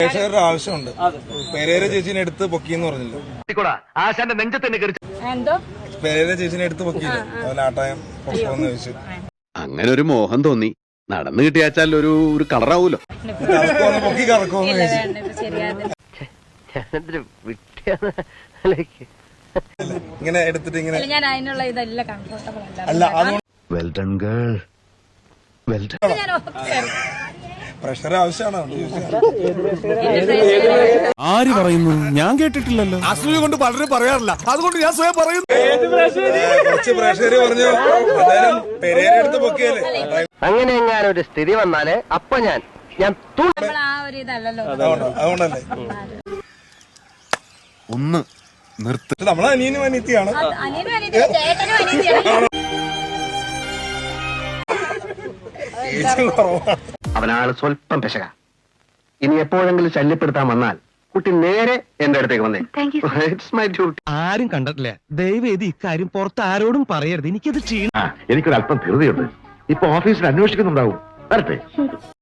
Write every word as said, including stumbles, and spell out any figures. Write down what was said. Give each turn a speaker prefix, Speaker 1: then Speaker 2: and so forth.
Speaker 1: പ്രേക്ഷകരുടെ ആവശ്യമുണ്ട്. പെരേര ചേച്ചിനെ എടുത്ത് പൊക്കിന്ന് പറഞ്ഞില്ല.
Speaker 2: ആശാന്റെ നെഞ്ചത്തന്നെ
Speaker 3: എന്തോ
Speaker 1: പെരേര ചേച്ചിനെ എടുത്ത് പൊക്കിയില്ല, അതുപോലെ ആട്ടായം പൊക്കോന്ന് ചോദിച്ചു.
Speaker 4: അങ്ങനെ ഒരു മോഹം തോന്നി. നടന്നു കിട്ടിയാച്ചാൽ ഒരു ഒരു കളറാവൂലോ.
Speaker 1: കറക്കോന്ന് പൊക്കി കറക്കോന്ന് ചോദിച്ചു. ഇങ്ങനെ എടുത്തിട്ട് ഇങ്ങനെ
Speaker 3: ഞാൻ അതിനുള്ള ഇതല്ല കംഫർട്ടബിൾ
Speaker 1: അല്ല, അതുകൊണ്ട്
Speaker 4: well done girl, well done.
Speaker 1: Pressure ആവശ്യമാണോ?
Speaker 5: ആര് പറയുന്നു? ഞാൻ കേട്ടിട്ടില്ലല്ലോ.
Speaker 6: അസൂയ കൊണ്ട് പലരും പറയാറില്ല, അതുകൊണ്ട് ഞാൻ സ്വയം പറയുന്നു.
Speaker 1: കുറച്ച് പ്രേക്ഷകര് പറഞ്ഞു എന്തായാലും പെരേര എടുത്ത് പൊക്കിയല്ലേ.
Speaker 2: അങ്ങനെ എങ്ങാനും ഒരു സ്ഥിതി വന്നാല് അപ്പൊ ഞാൻ ഞാൻ
Speaker 3: ആ ഒരു ഇതല്ലല്ലോ.
Speaker 1: അതുകൊണ്ടല്ലേ
Speaker 4: ഒന്ന് നിർത്ത്.
Speaker 1: നമ്മളെ അനിയനും അനിയത്തിയാണ്.
Speaker 3: അനിയനും അനിയത്തിയും ചേട്ടനും അനിയത്തിയാണ്.
Speaker 2: അവനാള് സ്വല്പം പെശക. ഇനി എപ്പോഴെങ്കിലും ശല്യപ്പെടുത്താൻ വന്നാൽ കുട്ടി നേരെ എന്റെ അടുത്തേക്ക് വന്നേ. It's my duty.
Speaker 5: ആരും കണ്ടിട്ടില്ല. ദയവേദി ഇക്കാര്യം പുറത്ത് ആരോടും പറയരുത്. എനിക്കത് ക്ഷീണം.
Speaker 7: എനിക്കൊരല്പം ധൃതിയുണ്ട്. ഇപ്പൊ ഓഫീസിൽ അന്വേഷിക്കുന്നുണ്ടാവും. വരട്ടെ.